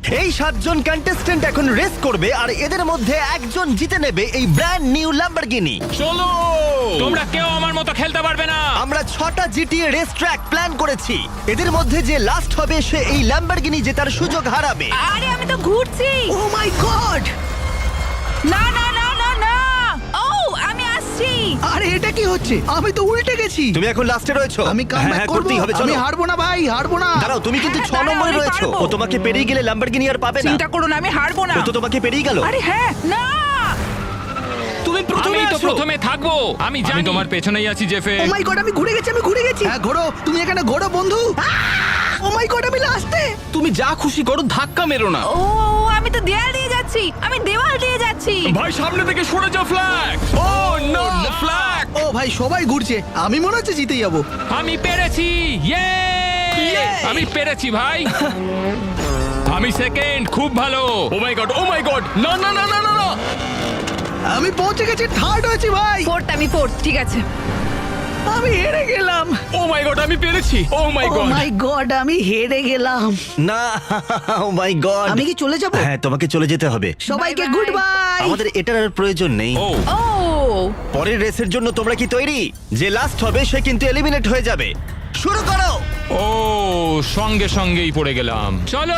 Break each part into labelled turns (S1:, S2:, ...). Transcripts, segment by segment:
S1: এই 7 জন কন্টেস্ট্যান্ট এখন রেস করবে আর এদের মধ্যে একজন জিতে নেবে এই ব্র্যান্ড নিউ ল্যাম্বরগিনি।
S2: চলো, তোমরা কেউ আমার মতো খেলতে পারবে না।
S1: আমরা 6টা জিটিএ রেস ট্র্যাক প্ল্যান করেছি। এদের মধ্যে যে লাস্ট হবে সে এই ল্যাম্বরগিনি জেতার সুযোগ হারাবে।
S3: আরে আমি তো ঘুরছি।
S1: Oh my god!
S3: না না না না না, ও আমি আসছি।
S4: আরে এটা কি হচ্ছে? আমি তো উল্টে গেছি।
S1: তুমি এখন লাস্টে রয়েছো।
S4: আমি কামব্যাক করব।
S1: করতেই হবে, চলো।
S4: আমি হারবো না ভাই, হারবো না।
S1: দাঁড়াও, তুমি কিন্তু
S3: হ্যাঁ,
S1: 6
S3: দাঁড়াও,
S1: নম্বরে
S3: আমি
S1: রয়েছো।
S3: পারবো।
S1: ও তোমাকে পেরিয়ে গেলে ল্যাম্বরগিনি আর পাবে না।
S3: চিন্তা করো না, আমি হারবো না।
S1: ও তো তোমাকে পেরিয়ে গেল।
S3: আরে হ্যাঁ, না
S2: তুমি প্রথমে তো প্রথমে থাকবো। আমি জানি তোমার পেছনেই আছি জেফে।
S4: ও মাই গড, আমি ঘুরে গেছি, আমি ঘুরে গেছি। হ্যাঁ ঘোরো, তুমি এখানে ঘোরো বন্ধু। ও মাই গড, আমি লাস্টে।
S5: তুমি যা খুশি করো, ধাক্কা মেরো না।
S3: ও আমি তো দেয়াল দিয়ে যাচ্ছি, আমি দেওয়াল দিয়ে যাচ্ছি।
S2: ভাই সামনে থেকে সরে যাও, ফ্ল্যাগ। Oh no, flag.
S4: ও ভাই সবাই ঘুরছে, আমি মনে হচ্ছে জিতে যাবো।
S2: আমি পেরেছি, ইয়ে! আমি পেরেছি ভাই। আমি সেকেন্ড, খুব ভালো। ও my god, oh my god, না না না না না না।
S4: আমি পৌঁছে গেছি, থার্ড হয়েছি ভাই।
S3: ফোর্থ, আমি ফোর্থ, ঠিক আছে।
S4: আমি হেরে গেলাম।
S2: ও মাই গড, আমি পেরেছি। ও মাই
S4: ও
S2: গড।
S4: মাই গড, আমি হেরে গেলাম।
S1: না, ও মাই গড!
S4: আমি কি চলে যাব?
S1: হ্যাঁ, তোমাকে চলে যেতে হবে।
S4: সবাইকে
S3: Bye bye.
S4: Good bye.
S1: আমাদের এটার আর প্রয়োজন নেই।
S2: ও
S3: ও
S1: পরের রেসের জন্য তোমরা কি তৈরি? যে লাস্ট হবে সে কিন্তু এলিমিনেট হয়ে যাবে। শুরু করো।
S2: ও সঙ্গে সঙ্গেই পড়ে গেলাম। চলো।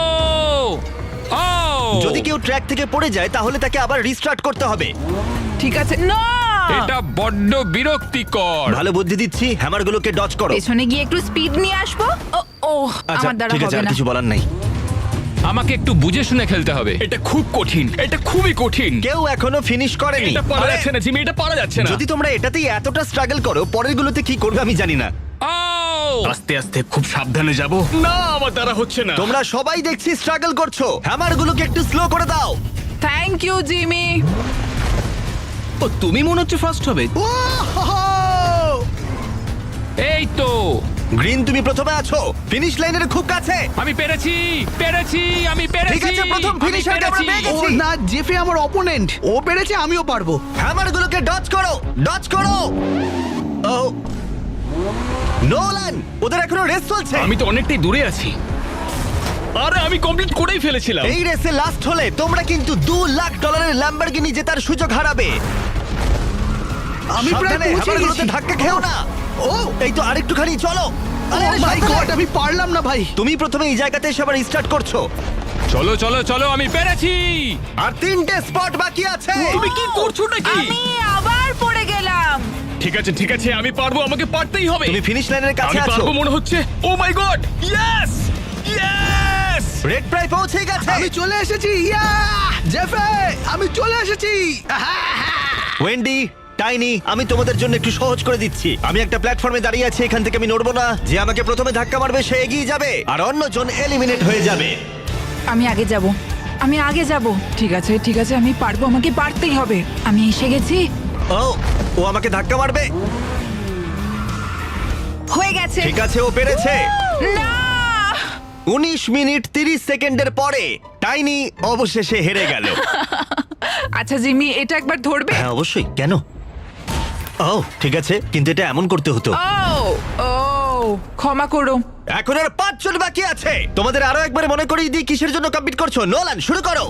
S2: ও
S1: যদি কেউ ট্র্যাক থেকে পড়ে যায় তাহলে তাকে আবার রিস্টার্ট করতে হবে।
S3: ঠিক আছে। না
S2: এটা বড্ড বিরক্তিকর।
S1: ভালো বুদ্ধি দিচ্ছি, হ্যামারগুলোকে ডজ করো।
S3: পেছনে গিয়ে একটু স্পিড নিয়ে আসবো। ও ও
S1: আচ্ছা,
S3: আমার দ্বারা
S1: ঠিক আছে,
S3: হবে
S1: আর
S3: না।
S1: কিছু বলার নেই।
S2: আমাকে একটু বুঝে শুনে খেলতে হবে। এটা খুব কঠিন, এটা খুবই কঠিন।
S1: কেউ এখনো ফিনিশ করেনি।
S2: এটা পারা
S1: আরে,
S2: যাচ্ছে না জিমি, এটা পারা যাচ্ছে না।
S1: যদি তোমরা এটাতেই এতটা স্ট্রাগল করো, পরের গুলোতে কি করবে আমি জানি না।
S2: ও
S5: আস্তে আস্তে খুব সাবধানে যাব।
S2: না, আমার দ্বারা হচ্ছে না।
S1: তোমরা সবাই দেখছি স্ট্রাগল করছো। হ্যামারগুলোকে একটু স্লো করে দাও।
S3: Thank you Jimmy.
S5: ও তুমি মনে হচ্ছে ফার্স্ট হবে।
S4: ও হো হো।
S2: এই তো
S1: গ্রিন, তুমি প্রথমে আছো, ফিনিশ লাইনের খুব কাছে।
S2: আমি পেরেছি, পেরেছি, আমি পেরেছি।
S1: ঠিক আছে, প্রথম
S2: আমি
S1: finisher-কে আমরা
S2: পেরেছি।
S1: পেয়ে গেছি।
S4: ও না, জেফে আমার অপোনেন্ট। ও পেরেছে, আমিও পারবো।
S1: হ্যামারগুলোকে ডজ করো, ডজ করো। ও নোলান, ওদের এখনো রেস চলছে।
S5: আমি তো অনেকটাই দূরে আছি। আরে আমি কমপ্লিট করেই ফেলেছিলাম।
S1: এই রেসে লাস্ট হলে তোমরা কিন্তু $2 লাখ ল্যাম্বরগিনি জেতার সুযোগ হারাবে।
S4: আমি প্রায়
S1: সাবধানে,
S4: পৌঁছে
S1: হ্যামারগুলোতে
S4: গেছি।
S1: ধাক্কা খেও না।
S4: ও
S1: এই তো আরেকটুখানি চলো। আরে,
S4: ও
S1: আরে,
S4: মাই
S1: সাবধানে।
S4: গড, আমি পারলাম না ভাই।
S1: তুমি প্রথমে এই জায়গাতে এসে আবার স্টার্ট করছো।
S2: চলো চলো চলো, আমি পেরেছি।
S1: আর 3টে স্পট বাকি আছে।
S2: তুমি কি করছো নাকি?
S3: আমি আবার পড়ে গেলাম।
S5: ঠিক আছে ঠিক আছে, আমি পারবো, আমাকে পারতেই হবে।
S1: তুমি ফিনিশ লাইনের কাছে
S5: আমি
S1: আছো।
S5: পারবো মনে হচ্ছে। Oh my god, yes yes.
S1: Red প্রায় পৌঁছে গেছে।
S4: আমি চলে এসেছি। ইয়া জেফে, আমি চলে এসেছি।
S1: ওয়েন্ডি, টাইনি, আমি তোমাদের জন্য একটু সহজ করে দিচ্ছি। আমি একটা প্ল্যাটফর্মে দাঁড়িয়ে আছি, এখান থেকে আমি নড়বো না। যে আমাকে প্রথমে ধাক্কা মারবে সে এগিয়ে যাবে আর অন্যজন এলিমিনেট হয়ে যাবে।
S3: আমি আগে যাব, আমি আগে যাব। ঠিক আছে ঠিক আছে, আমি পারবো, আমাকে পারতেই হবে। আমি এসে গেছি।
S1: ও ও আমাকে ধাক্কা মারবে।
S3: হয়ে গেছে।
S1: ঠিক আছে, ও পেরেছে।
S3: না
S1: 19 মিনিট 30 সেকেন্ডের পরে টাইনি অবশেষে হেরে গেল।
S3: আচ্ছা জিমি, এটা একবার ধরবে?
S1: হ্যাঁ অবশ্যই, কেন? ও ঠিক আছে, কিন্তু এটা এমন করতে হতো।
S3: ও ও ক্ষমা করো।
S1: এখন আর 5 জন বাকি আছে। তোমাদের আরো একবার মনে করিয়ে দিই কিসের জন্য কম্পিট করছো। নোলান, শুরু করো।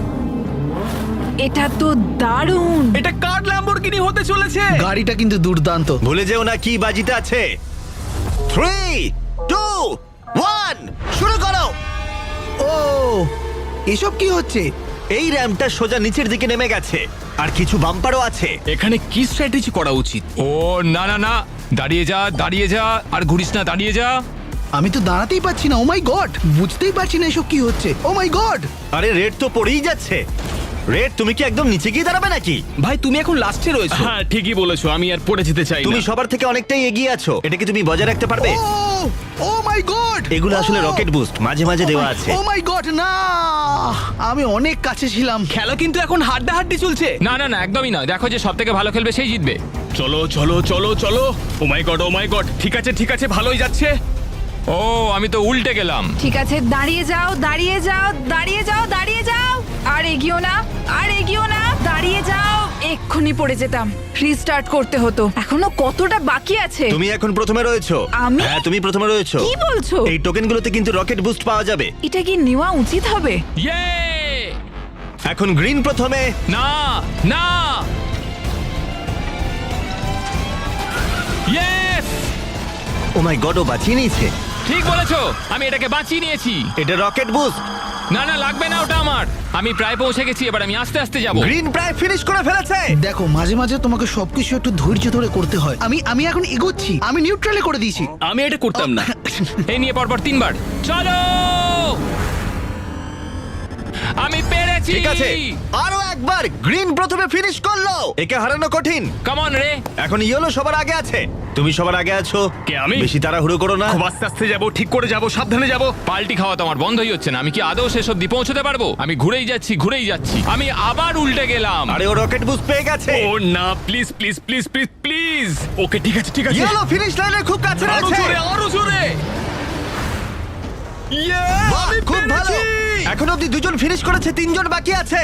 S3: এটা তো দারুণ।
S5: এটা কার ল্যাম্বরগিনি হতে চলেছে?
S4: গাড়িটা কিন্তু দুর্দান্ত।
S1: ভুলে যেও না কি বাজিতে আছে। 3 2 1 শুরু করো।
S4: ও এসব কি হচ্ছে?
S1: এই র্যাম্পটা সোজা নিচের দিকে নেমে গেছে আর কিছু বাম্পারও আছে।
S5: এখানে কি স্ট্র্যাটেজি করা উচিত?
S2: ও না না না, দাঁড়িয়ে যা, দাঁড়িয়ে যা, আর ঘুরিস না, দাঁড়িয়ে যা।
S4: আমি তো দাঁড়াতেই পারছি না। ও মাই গড, বুঝতেই পারছি না এসব কি হচ্ছে। Oh my god.
S1: আরে রেড তো পড়েই যাচ্ছে। রেড, তুমি কি একদম নিচে গিয়ে দাঁড়াবে নাকি?
S5: ভাই তুমি এখন লাস্টে রয়েছো। হ্যাঁ ঠিকই বলেছো, আমি আর পড়ে যেতে চাই
S1: তুমি
S5: না।
S1: সবার থেকে অনেকটাই এগিয়ে আছো। এটা কি তুমি বজায় রাখতে পারবে?
S4: ও মাই গড,
S1: এগুলো আসলে রকেট বুস্ট, মাঝে মাঝে দেওয়া আছে।
S4: ও মাই গড, না আমি অনেক কাছে ছিলাম।
S5: খেলা কিন্তু এখন হাড্ডাহাড্ডি চলছে।
S2: না না না, একদমই না। দেখো যে সব থেকে ভালো খেলবে সেই জিতবে।
S5: চলো চলো চলো চলো। ও মাই গড, ঠিক আছে, ভালোই যাচ্ছে।
S2: ও আমি তো উল্টে গেলাম।
S3: ঠিক আছে, দাঁড়িয়ে যাও, দাঁড়িয়ে যাও, দাঁড়িয়ে যাও, দাঁড়িয়ে যাও। আর এগিও না, আর এগিও না, দাঁড়িয়ে যাও, এক্ষুনি পড়ে যেতাম। রিস্টার্ট করতে হতো। এখনো কতটা বাকি আছে?
S1: তুমি এখন প্রথমে রয়েছো।
S3: আমি?
S1: হ্যাঁ, তুমি প্রথমে রয়েছো।
S3: কি বলছো?
S1: এই টোকেনগুলোতে কিন্তু রকেট বুস্ট পাওয়া যাবে।
S3: এটা কি নেওয়া উচিত হবে?
S2: ইয়ে!
S1: এখন গ্রিন প্রথমে।
S2: না না ইয়েস
S1: ও মাই গড, ও বাঁচিয়ে নিয়েছে।
S2: ঠিক বলেছো, আমি এটাকে বাঁচিয়ে নিয়েছি।
S1: এটা রকেট বুস্ট।
S2: না না লাগবে না ওটা আমার। আমি প্রায় পৌঁছে গেছি, এবার আমি আস্তে আস্তে যাব।
S1: গ্রিন প্রায় ফিনিশ করে ফেলেছে।
S4: দেখো মাঝে মাঝে তোমাকে সবকিছু একটু ধৈর্য ধরে করতে হয়। আমি এখন এগোচ্ছি, আমি নিউট্রালে করে দিয়েছি।
S5: আমি এটা করতাম না।
S2: এই নিয়ে পরপর 3 বার চলো। আমি পেরেছি।
S1: ঠিক আছে, আরো একবার। গ্রিন প্রথমে ফিনিশ করলো। একে হারানো কঠিন।
S2: কাম অন রে।
S1: এখন ইয়েলো সবার আগে আছে। তুমি সবার আগে আছো।
S5: কে, আমি?
S1: বেশি তাড়াহুড়ো করো না।
S5: খুব আস্তে আস্তে যাবো, ঠিক করে যাবো, সাবধানে যাবো।
S2: পাল্টি খাওয়া তো আমার বন্ধই হচ্ছে না। আমি কি আদৌ শেষ অব্দি পৌঁছতে পারবো? আমি ঘুরেই যাচ্ছি। আমি আবার উল্টে গেলাম।
S1: আরে ও রকেট বুস্ট পেয়ে গেছে।
S5: ও না, please please please please please. Okay ঠিক আছে ঠিক আছে।
S1: ইয়েলো ফিনিশ লাইনের খুব কাছে
S5: আরো
S1: রয়েছে।
S5: জোরে আরো জোরে।
S1: বাহ,
S5: আমি
S1: খুব ভালো।
S5: পেরেছি।
S1: এখন অব্দি 2 জন ফিনিশ করেছে, 3 জন বাকি আছে।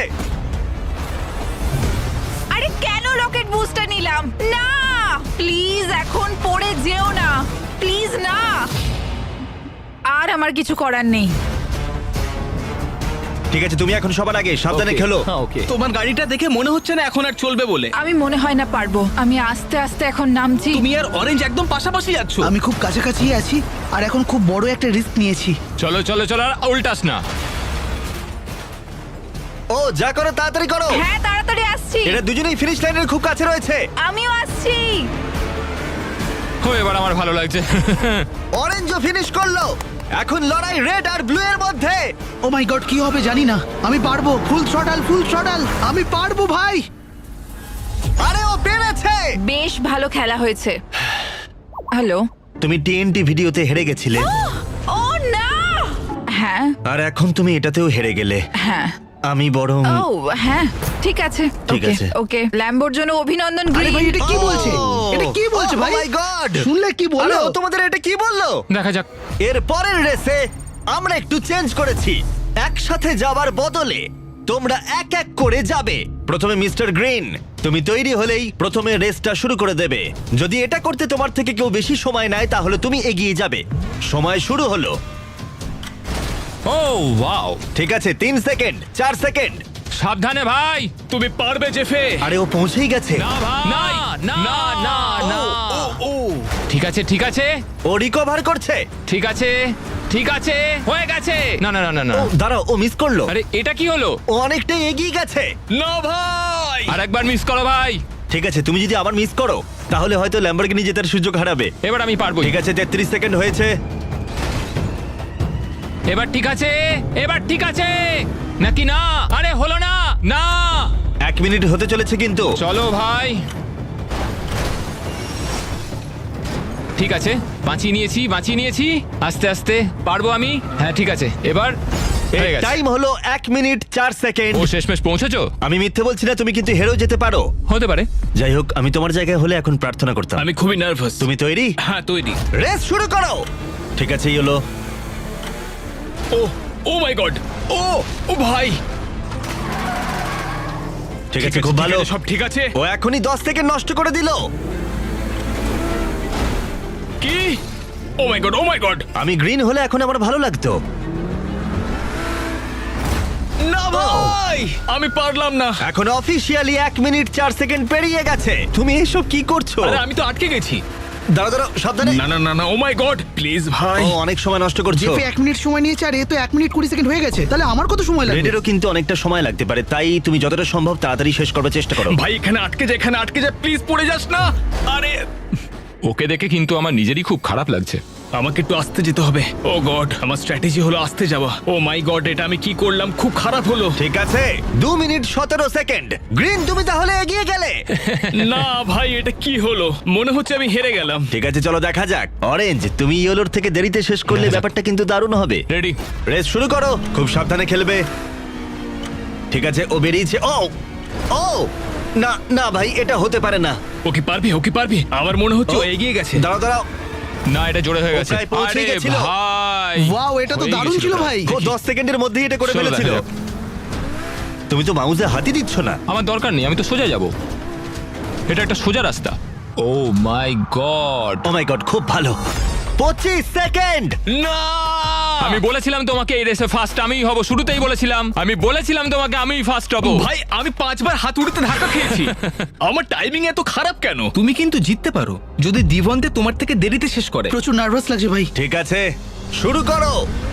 S3: আরে কেন রকেট বুস্টার নিলাম? না প্লিজ এখন পড়ে যেও না, প্লিজ না। আর আমার কিছু করার নেই।
S1: ঠিক আছে, তুমি এখন সবার আগে, সাবধানে খেলো।
S5: তোমার গাড়িটা দেখে মনে হচ্ছে না এখন আর চলবে বলে।
S3: আমি মনে হয় না পারবো। আমি আস্তে আস্তে এখন নামছি।
S5: তুমি আর অরেঞ্জ একদম পাশাপাশি যাচ্ছ।
S4: আমি খুব কাছাকাছি আছি আর এখন খুব বড় একটা রিস্ক নিয়েছি।
S2: চলো চলো চলো, আর উল্টাস না।
S1: ও যা করো তাড়াতাড়ি করো।
S3: হ্যাঁ তাড়াতাড়ি আসছি।
S1: এরা দুজনেই ফিনিশ লাইনের খুব কাছে রয়েছে।
S3: আমিও আসছি।
S2: ও এবার আমার ভালো লাগছে।
S1: অরেঞ্জও ফিনিশ করলো। এখন লড়াই রেড আর ব্লু এর মধ্যে।
S4: ও মাই গড, কি হবে জানি না। আমি পারবো। Full throttle. আমি পারবো ভাই।
S1: আরে ও পেরেছে।
S3: বেশ ভালো খেলা হয়েছে। হ্যালো।
S1: তুমি টিএনটি ভিডিওতে হেরে গেছিলে,
S3: ও না। হ্যাঁ
S1: আর এখন তুমি এটাতেও হেরে গেলে।
S3: হ্যাঁ।
S1: আমি বরং
S3: ও হ্যাঁ ঠিক আছে।
S1: ঠিক
S3: ওকে,
S1: আছে।
S3: ওকে ল্যাম্বোর জন্য অভিনন্দন
S4: আরে ভাই,
S3: গ্রিন।
S4: এটা কি বলছে? এটা কি বলছে ভাই?
S1: ও মাই গড,
S4: শুনলে কি বললো?
S1: ও তোমাদের এটা কি বললো?
S2: দেখা যাক।
S1: এর পরের রেসে আমরা একটু চেঞ্জ করেছি। একসাথে যাওয়ার বদলে তোমরা এক এক করে যাবে। প্রথমে মিস্টার গ্রিন, তুমি তৈরি হলেই প্রথমে রেসটা শুরু করে দেবে। যদি এটা করতে তোমার থেকে কেউ বেশি সময় নেয় তাহলে তুমি এগিয়ে যাবে। সময় শুরু হলো।
S2: ও ওয়াও,
S1: ঠিক আছে, 3 সেকেন্ড, 4 সেকেন্ড।
S2: সাবধানে ভাই।
S5: তুমি পারবে জেফে।
S1: আরে ও পৌঁছেই গেছে।
S2: না ভাই, না না না না।
S5: ও
S2: ঠিক আছে ঠিক আছে
S1: ও রিকভার করছে।
S2: ঠিক আছে ঠিক আছে, হয়ে গেছে। না না না না না।
S1: ও দাঁড়াও, ও মিস করলো।
S2: আরে এটা কি হলো?
S1: ও অনেকটাই এগিয়ে গেছে।
S5: না ভাই।
S2: আর একবার মিস করো ভাই।
S1: ঠিক আছে, তুমি যদি আবার মিস করো তাহলে হয়তো ল্যাম্বরগিনি জেতার সুযোগ হারাবে।
S2: এবার আমি পারবো।
S1: ঠিক আছে, 33 সেকেন্ড হয়েছে।
S2: এবার ঠিক আছে, এবার ঠিক আছে নাকি না? আরে হলো না। না
S1: 1 মিনিট হতে চলেছে কিন্তু।
S2: চলো ভাই। ঠিক আছে, বাঁচিয়ে নিয়েছি। আস্তে আস্তে পারবো আমি। হ্যাঁ ঠিক আছে, এবার হয়ে গেছে।
S1: টাইম হলো 1 মিনিট 4 সেকেন্ড।
S2: ও শেষমেশ পৌঁছেছো?
S1: আমি মিথ্যে বলছি না, তুমি কিন্তু হেরেও যেতে পারো।
S2: হতে পারে।
S1: যাই হোক, আমি তোমার জায়গায় হলে এখন প্রার্থনা করতাম।
S5: আমি খুবই নার্ভাস।
S1: তুমি তৈরি?
S5: হ্যাঁ তৈরি।
S1: রেস শুরু করো। ঠিক আছে, এই হলো।
S5: ও ও মাই গড। ও ও ভাই।
S1: ঠিক আছে, খুব ভালো।
S5: সব ঠিক আছে।
S1: ও এখনই 10 সেকেন্ড নষ্ট করে দিল।
S5: কি? Oh my god, oh my god.
S1: আমি গ্রিন হলে এখন আমার ভালো লাগতো।
S5: না ভাই, আমি পারলাম না।
S1: এখন অফিসিয়ালি 1 মিনিট 4 সেকেন্ড পেরিয়ে গেছে। তুমি এসব কি করছো?
S5: আরে আমি তো আটকে গেছি।
S1: দাঁড়াও দাঁড়াও, সাবধানে।
S5: না না না না, ও মাই গড, প্লিজ ভাই।
S1: ও অনেক সময় নষ্ট করছো।
S4: জেফে 1 মিনিট সময় নিয়েছে আর এ তো 1 মিনিট 20 সেকেন্ড হয়ে গেছে। তাহলে আমার কত সময় লাগবে?
S1: রেডেরও কিন্তু অনেকটা সময় লাগতে পারে, তাই তুমি যতটা সম্ভব তাড়াতাড়ি শেষ করবার চেষ্টা করো।
S5: ভাই এখানে আটকে যা, প্লিজ পড়ে যাস না। আরে
S2: ওকে দেখে কিন্তু আমার নিজেরই খুব খারাপ লাগছে।
S5: আমাকে একটু আস্তে যেতে হবে। ও গড, আমার স্ট্র্যাটেজি হলো আস্তে যাওয়া। ও মাই গড, এটা আমি কি করলাম? খুব খারাপ হলো।
S1: ঠিক আছে, 2 মিনিট 17 সেকেন্ড। গ্রিন, তুমি তাহলে এগিয়ে গেলে।
S5: না ভাই, এটা কি হলো? মনে হচ্ছে আমি হেরে গেলাম।
S1: ঠিক আছে, চলো দেখা যাক। অরেঞ্জ, তুমি ইয়েলোর থেকে দেরিতে শেষ করলে ব্যাপারটা কিন্তু দারুণ হবে।
S2: রেডি?
S1: রেস শুরু করো, খুব সাবধানে খেলবে। ঠিক আছে, ও বেরিয়েছে। ও ও না না ভাই, এটা হতে পারে না।
S5: ও কি পারবি? ও কি পারবি? আমার মনে হচ্ছে ও এগিয়ে গেছে।
S1: দাঁড়াও দাঁড়াও,
S2: না এটা জোরে হয়ে
S1: ও
S2: গেছে।
S1: প্রায় পৌঁছে
S2: আরে
S1: গেছিল।
S2: ভাই,
S4: ওয়াও, এটা তো
S2: হয়ে
S4: দারুণ
S2: গেছিল
S4: ছিল
S2: ওটা।
S4: ভাই।
S1: ও 10 সেকেন্ডের মধ্যেই এটা করে
S2: চলো
S1: ফেলেছিল।
S2: দেখা যাক।
S1: তুমি তো মাউসে হাতই দিচ্ছ না।
S2: আমার দরকার নেই, আমি তো সোজা যাব। এটা একটা সোজা রাস্তা। ও my god,
S1: oh my god, খুব ভালো। 25 সেকেন্ড।
S5: না
S2: আমি বলেছিলাম তোমাকে এই রেসে ফার্স্ট আমিই হব, শুরুতেই বলেছিলাম, আমি বলেছিলাম তোমাকে আমিই ফার্স্ট হব।
S5: ভাই আমি 5 বার হাত উড়তে ধাক্কা খেয়েছি। আমার টাইমিং এত খারাপ কেন? তুমি কিন্তু জিততে পারো যদি দিবন্তে তোমার থেকে দেরিতে শেষ করে।
S4: প্রচুর নার্ভাস লাগছে ভাই।
S1: ঠিক আছে, শুরু করো।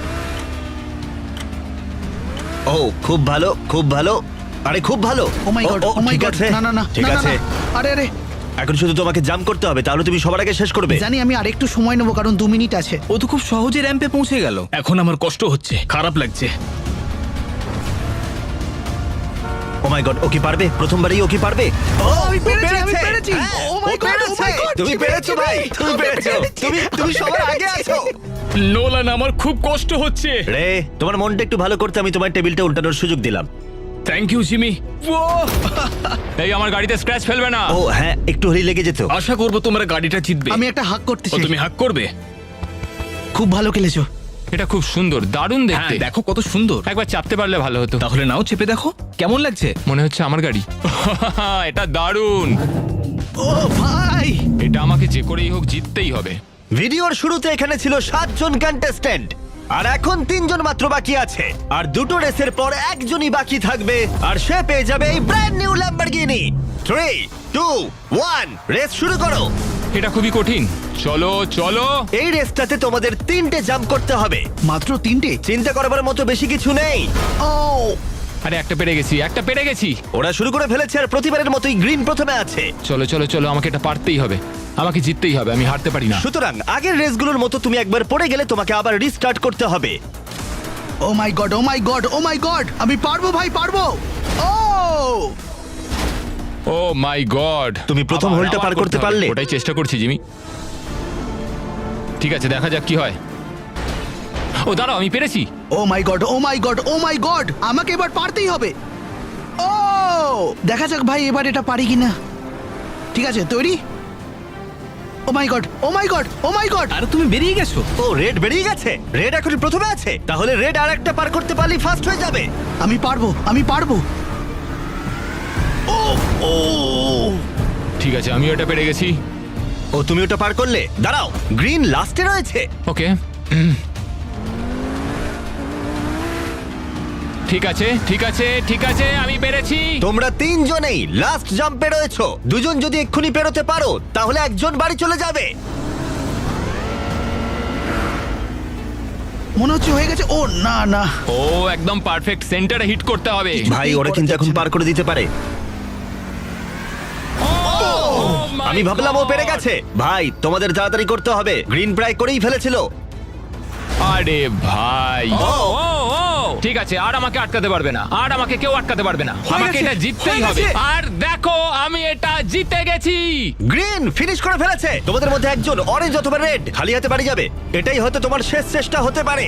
S1: ও খুব ভালো, খুব ভালো। আরে খুব ভালো।
S4: ও মাই গড, ও মাই
S1: ঠিক
S4: গড,
S1: আছে,
S4: না না না,
S1: ঠিক
S4: না, না,
S1: আছে।
S4: না। আরে আরে
S1: এখন শুধু তোমাকে জাম্প করতে হবে, তাহলে তুমি সবার আগে শেষ করবে।
S4: জানি, আমি আরেকটু সময় নেবো কারণ 2 মিনিট আছে।
S5: ও তো খুব সহজে র্যাম্পে পৌঁছে গেল। এখন আমার কষ্ট হচ্ছে, খারাপ লাগছে।
S1: ও মাই গড, ও কি পারবে? প্রথমবারই ও কি পারবে?
S4: ও আমি
S1: ও
S4: পেরেছি, আমি
S1: পেরেছে।
S4: পেরেছি।
S1: হ্যাঁ,
S4: ও মাই
S1: ও
S4: গড, ও
S1: পেরেছে।
S4: মাই গড,
S1: তুমি পেরেছো ভাই, তুমি পেরেছো। তুমি সবার আগে আছো।
S5: নোলান আমার খুব কষ্ট হচ্ছে।
S1: রে, তোমার মনটা একটু ভালো করতে আমি তোমার টেবিলটা উল্টানোর সুযোগ দিলাম।
S5: Thank you Jimmy.
S2: এই আমার গাড়িতে স্ক্র্যাচ ফেলবে না।
S1: ও হ্যাঁ, একটু হলেই লেগে যেত।
S5: আশা করবো তোমরা গাড়িটা জিতবে।
S4: আমি একটা হাক
S5: ও
S4: করতেছি।
S5: তুমি হাক করবে?
S4: খুব ভালো খেলেছো।
S2: এটা খুব সুন্দর, দারুণ
S5: হ্যাঁ
S2: দেখতে।
S5: দেখো কত সুন্দর।
S2: একবার চাপতে পারলে ভালো হতো।
S5: তাহলে নাও চেপে দেখো কেমন লাগছে।
S2: মনে হচ্ছে আমার গাড়ি। এটা দারুণ।
S4: ও ভাই,
S2: এটা আমাকে যে করেই হোক জিততেই হবে।
S1: ভিডিওর শুরুতে এখানে ছিল 7 জন কন্টেস্ট্যান্ট, আর এখন 3 জন মাত্র বাকি আছে। আর দুটো রেসের পর একজনই বাকি থাকবে, আর সে পেয়ে যাবে এই ব্র্যান্ড নিউ ল্যাম্বরগিনি। 3, 2, 1, রেস শুরু করো।
S2: এটা খুবই কঠিন। চলো চলো।
S1: এই রেসটাতে তোমাদের 3টে জাম্প করতে হবে।
S4: মাত্র 3টে?
S1: চিন্তা করবার মতো বেশি কিছু নেই।
S4: ও
S2: আরে একটা পেরে গেছি, একটা পেরে গেছি।
S1: ওরা শুরু করে ফেলেছে, আর প্রতিবারের মতোই গ্রিন প্রথমে আছে।
S2: চলো চলো চলো, আমাকে এটা পারতেই হবে, আমাকে জিততেই হবে, আমি হারতে পারি না।
S1: সুতরাং আগের রেসগুলোর মতো তুমি একবার পড়ে গেলে তোমাকে আবার রিস্টার্ট করতে হবে।
S4: Oh my god, oh my god, oh my god, আমি পারবো ভাই, পারবো। ও
S2: ও মাই গড,
S1: তুমি প্রথম হোলটা পার করতে পারলে?
S2: ওটাই চেষ্টা করছি জিমি। ঠিক আছে, দেখা যাক কি হয়। ও দাঁড়াও, আমি পেরেছি।
S4: Oh my god, oh my god, oh my god, আমাকে এবার পারতেই হবে। ও দেখা যাক ভাই এবার এটা পারি কিনা। ঠিক আছে, তৈরি? Oh my god, oh my god, oh my god.
S5: আর তুমি বেরিয়ে গেছো।
S1: ও রেড বেরিয়ে গেছে। রেড এখন প্রথমে আছে, তাহলে রেড আর একটা পার করতে পারলেই ফার্স্ট হয়ে যাবে।
S4: আমি পারবো, আমি পারবো। ও ও
S2: ঠিক আছে, আমি ওটা পেরে গেছি।
S1: ও তুমি ওটা পার করলে। দাঁড়াও, গ্রিন লাস্টে রয়েছে।
S2: ওকে, ঠিক আছে ঠিক আছে ঠিক আছে, আমি পেরেছি।
S1: তোমরা 3 জনেই লাস্ট জাম্পে রয়েছো। 2 জন যদি এক্ষুনি পেরোতে পারো তাহলে একজন বাড়ি চলে যাবে।
S4: মনে হচ্ছে হয়ে গেছে। ও না না,
S2: ও একদম পারফেক্ট সেন্টারে হিট করতে হবে।
S1: ভাই ওরা কিন্তু এখন পার করে দিতে পারে।
S2: Oh
S1: আমি ভাবলাম ও পেরে গেছে। ভাই তোমাদের তাড়াতাড়ি করতে হবে, গ্রিন প্রায় করেই ফেলেছিল।
S2: আরে ভাই, ও ও ও ঠিক আছে, আর আমাকে আটকাতে পারবে না, আর আমাকে কেউ আটকাতে পারবে না। আমাকে
S4: গেছে,
S2: এটা জিততেই
S4: হয়ে
S2: হবে।
S4: গেছে।
S2: আর দেখো, আমি এটা জিতে গেছি।
S1: গ্রিন ফিনিশ করে ফেলেছে। তোমাদের মধ্যে একজন অরেঞ্জ অথবা রেড খালি হাতে বাড়ি যাবে। এটাই হয়তো তোমার শেষ চেষ্টা হতে পারে।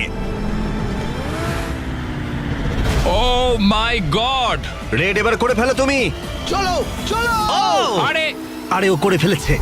S2: ও মাই গড,
S1: রেড এবার করে ফেলো তুমি।
S4: চলো চলো।
S2: আরে
S1: আরে ও করে ফেলেছে।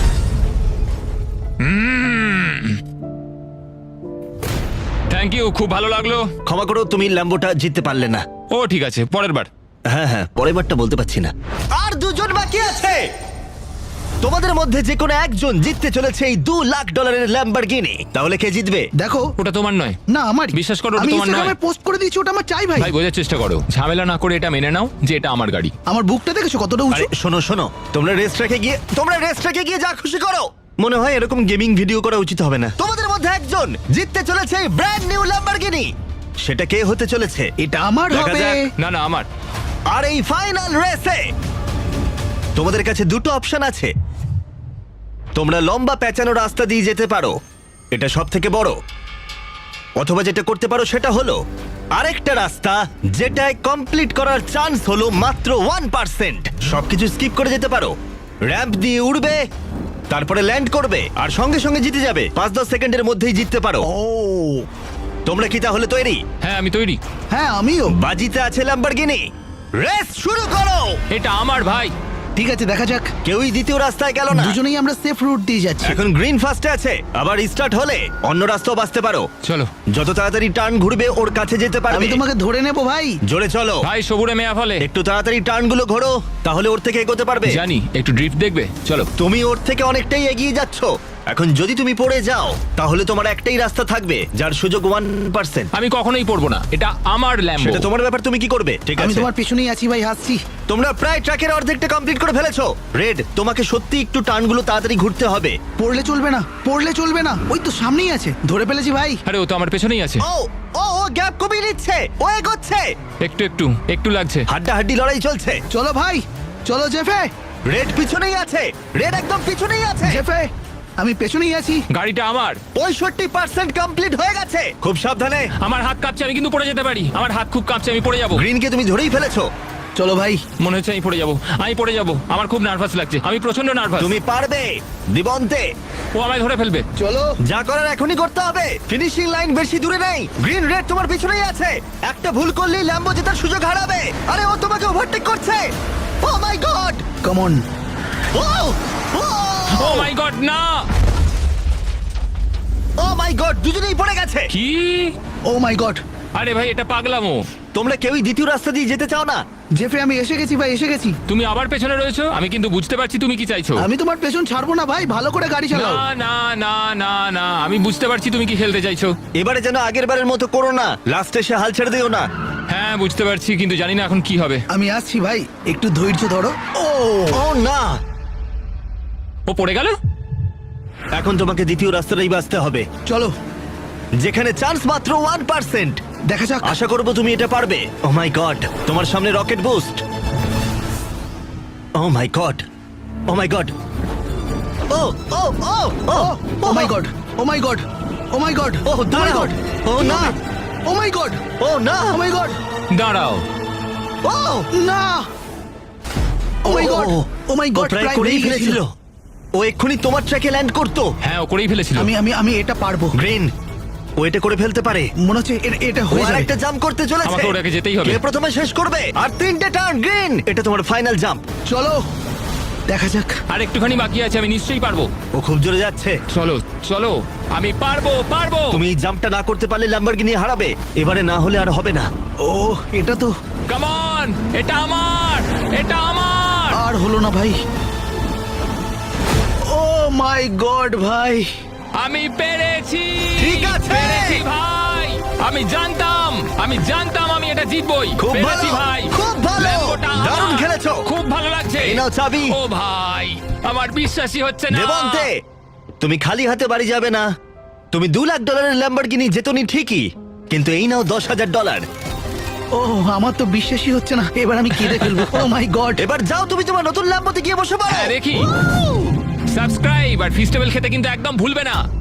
S2: থ্যাংক ইউ, খুব ভালো লাগলো।
S1: ক্ষমা করো, তুমি ল্যাম্বোটা জিততে পারলে না।
S2: ও ঠিক আছে, পরের বার।
S1: হ্যাঁ হ্যাঁ, পরের বারটা বলতে পারছি না। আর 2 জন বাকি আছে। তোমাদের মধ্যে যে কোনো একজন জিততে চলেছে এই $2 লাখ ল্যাম্বরগিনি। তাহলে কে জিতবে?
S4: দেখো,
S2: ওটা তোমার নয়।
S4: না আমার।
S2: বিশ্বাস করো, ওটা
S4: আমি
S2: তোমার
S4: ইনস্টাগ্রামে
S2: নয়।
S4: পোস্ট করে দিয়েছি, ওটা আমার চাই ভাই।
S2: ভাই বোঝার চেষ্টা করো, ঝামেলা না করে এটা মেনে নাও যে এটা আমার গাড়ি।
S4: আমার বুকটা দেখেছো কতটা উঁচু?
S1: আরে শোনো শোনো, তোমরা রেস ট্র্যাকে গিয়ে যা খুশি করো। মনে হয় এরকম গেমিং ভিডিও করা উচিত হবে না। তোমাদের মধ্যে একজন জিততে চলেছে এই ব্র্যান্ড নিউ ল্যাম্বরগিনি। সেটা কে হতে চলেছে?
S4: এটা আমার
S2: দেখা
S4: হবে।
S2: যাক। না না, আমার।
S1: আর এই ফাইনাল রেসে তোমাদের কাছে 2টো অপশন আছে। তোমরা লম্বা পেঁচানো রাস্তা দিয়ে যেতে পারো, এটা সব থেকে বড়। অথবা যেটা করতে পারো সেটা হলো আরেকটা রাস্তা, যেটায় কমপ্লিট করার চান্স হলো মাত্র 1%। সবকিছু স্কিপ করে যেতে পারো, র্যাম্প দিয়ে উড়বে, তারপরে ল্যান্ড করবে, আর সঙ্গে সঙ্গে জিতে যাবে। 5-10 সেকেন্ডের মধ্যেই জিততে পারো।
S4: ও
S1: তোমরা কি তাহলে তৈরি?
S2: হ্যাঁ, আমি তৈরি।
S4: হ্যাঁ আমিও।
S1: বাজিতে আছে ল্যাম্বরগিনি। রেস শুরু করো।
S2: এটা আমার ভাই।
S4: ঠিক আছে, দেখা যাক।
S1: কেউই দ্বিতীয় রাস্তায় গেল না।
S4: দুজনেই আমরা সেফ রুট দিয়ে যাচ্ছি।
S1: এখন গ্রিন ফার্স্টে আছে, আবার স্টার্ট হলে অন্য রাস্তাও বাঁচতে পারো।
S2: চলো
S1: যত তাড়াতাড়ি টার্ন ঘুরবে ওর কাছে যেতে
S4: আমি
S1: পারবে।
S4: তোমাকে ধরে নেবো ভাই।
S1: জোরে চলো,
S2: ভাই, সবুরে মেয়া ফলে।
S1: একটু তাড়াতাড়ি টার্ন গুলো ঘোরো, তাহলে ওর থেকে এগোতে পারবে।
S2: জানি, একটু ড্রিফট দেখবে, চলো।
S1: তুমি ওর থেকে অনেকটাই এগিয়ে যাচ্ছ। এখন যদি তুমি পড়ে যাও তাহলে তোমার একটাই রাস্তা থাকবে, যার সুযোগ 1%।
S2: আমি কখনোই পড়বো না, এটা আমার ল্যাম্বো।
S1: সেটা তোমার ব্যাপার, তুমি কি করবে? ঠিক
S4: আমি
S1: আছে,
S4: তোমার পেছনেই আছি ভাই, হাসছি।
S1: তোমরা প্রায় ট্র্যাকের অর্ধেকটা কমপ্লিট করে ফেলেছো। রেড, তোমাকে সত্যি একটু টার্নগুলো তাড়াতাড়ি ঘুরতে হবে।
S4: পড়লে চলবে না, পড়লে চলবে না। ওই তো সামনেই আছে, ধরে ফেলেছি ভাই।
S2: আরে ও তো আমার পেছনেই আছে।
S1: ও ও ও গ্যাপ কমিয়ে নিচ্ছে, ও এগোচ্ছে।
S2: একটু লাগছে।
S1: হাড্ডাহাড্ডি লড়াই চলছে।
S4: চলো ভাই, চলো জেফে।
S1: রেড পিছনেই আছে, রেড একদম পিছনেই আছে।
S4: জেফে, আমি পেছনেই আছি।
S2: গাড়িটা আমার।
S1: 65% কমপ্লিট হয়ে গেছে। খুব সাবধানে।
S2: আমার হাত কাঁপছে, আমি কিন্তু পড়ে যেতে পারি। আমার হাত খুব কাঁপছে, আমি পড়ে যাবো।
S1: গ্রিনকে তুমি ধরেই ফেলেছো।
S4: চলো ভাই।
S2: মনে হচ্ছে আমি পড়ে যাবো, আমি পড়ে যাবো। আমার খুব নার্ভাস লাগছে, আমি প্রচন্ড নার্ভাস।
S1: তুমি পারবে দিবন্তে।
S2: ও আমায় ধরে ফেলবে।
S4: চলো।
S1: যা করার এখনই করতে হবে। ফিনিশিং লাইন বেশি দূরে নেই। গ্রিন রেড তোমার পিছনেই আছে। একটা ভুল করলেই ল্যাম্বো জেতার সুযোগ হারাবে। আরে ও তোমাকে ওভারটেক করছে। Oh my god.
S4: Come on.
S1: Oh
S2: oh my god, না।
S1: ও মাই গড, দুজনেই পড়ে গেছে।
S2: কি?
S4: Oh my god.
S2: আরে ভাই, এটা পাগলামো।
S1: তোমরা কেউই দ্বিতীয় রাস্তা দিয়ে যেতে চাও না।
S4: জেফে, আমি এসে গেছি ভাই, এসে গেছি।
S2: তুমি আবার পেছনে রয়েছো, আমি কিন্তু বুঝতে পারছি তুমি কি চাইছো।
S4: আমি তোমার পেছন ছাড়বো না ভাই, ভালো করে গাড়ি চালাও।
S2: না না না না না, আমি বুঝতে পারছি তুমি কি খেলতে চাইছো।
S1: এবারে যেন আগের বারের মতো করো না, লাস্টে সে হাল ছেড়ে দিও না।
S2: হ্যাঁ, বুঝতে পারছি, কিন্তু জানি না এখন কি হবে।
S4: আমি আসছি ভাই, একটু ধৈর্য ধরো। ও
S1: ও না,
S2: ও পড়ে গেল।
S1: এখন তোমাকে দ্বিতীয় রাস্তাটাই বাঁচতে হবে,
S4: চলো,
S1: যেখানে চান্স মাত্র 1%।
S4: দেখা যাক।
S1: আশা করবো তুমি এটা পারবে। ও মাই গড, তোমার সামনে rocket boost. Oh my god, oh my god, oh oh oh oh
S4: oh my god, oh my god, oh my god,
S1: ও দাঁড়াও। ও না,
S4: ও মাই গড,
S1: ও না,
S4: ও মাই গড,
S2: দাঁড়াও।
S1: ও
S4: না, oh my god, oh my
S1: O
S4: god,
S1: প্রায় করেই ফেলেছিল। ও এক্ষুনি তোমার ট্র্যাকে ল্যান্ড করতো।
S2: হ্যাঁ, ও করেই ফেলেছিল।
S4: আমি আমি আমি এটা পারবো।
S1: গ্রিন, ও এটা করে ফেলতে পারে।
S4: মনে হচ্ছে এটা
S1: ও
S4: হয়ে যাবে।
S1: আরেকটা জাম্প করতে চলেছে।
S2: আমাকে ওটাকে যেতেই হবে।
S1: কে প্রথমে শেষ করবে? আর 3টে টার্ন। গ্রিন, এটা তোমার ফাইনাল জাম্প।
S4: চলো, দেখা যাক।
S2: আর একটুখানি বাকি আছে, আমি নিশ্চয়ই পারবো।
S1: ও খুব জোরে যাচ্ছে।
S2: চলো চলো, আমি পারবো পারবো।
S1: তুমি এই জাম্পটা না করতে পারলে ল্যাম্বরগিনি হারাবে। এবারে না হলে আর হবে না।
S4: ও, এটা তো
S2: কাম অন, এটা আমার, এটা আমার।
S4: আর হলো না ভাই। ও মাই গড ভাই।
S2: আমি পেরেছি।
S1: ঠিক আছে।
S2: পেরেছি ভাই। আমি জানতাম আমি এটা জিতবই।
S1: খুব
S2: পেরেছি
S1: ভালো,
S2: ভাই,
S1: খুব ভালো।
S2: ল্যাম্বোটা আমার।
S1: দারুণ খেলেছো।
S2: খুব ভালো লাগছে।
S1: এই নাও চাবি।
S2: ও ভাই, আমার বিশ্বাসই হচ্ছে না।
S1: দেবন্তে, তুমি খালি হাতে বাড়ি যাবে না। তুমি $2 লাখ ল্যাম্বরগিনি জেতনি ঠিকই, কিন্তু এই নাও $10,000।
S4: ও, আমার তো বিশ্বাসই হচ্ছে না। এবার আমি কেঁদে ফেলবো। Oh my god.
S1: এবার যাও, তুমি তোমার নতুন ল্যাম্বোতে গিয়ে বসে পড়ো।
S2: হ্যাঁ, দেখি। সাবস্ক্রাইব আর ফিস্টেবল খেতে কিন্তু একদম ভুলবে না।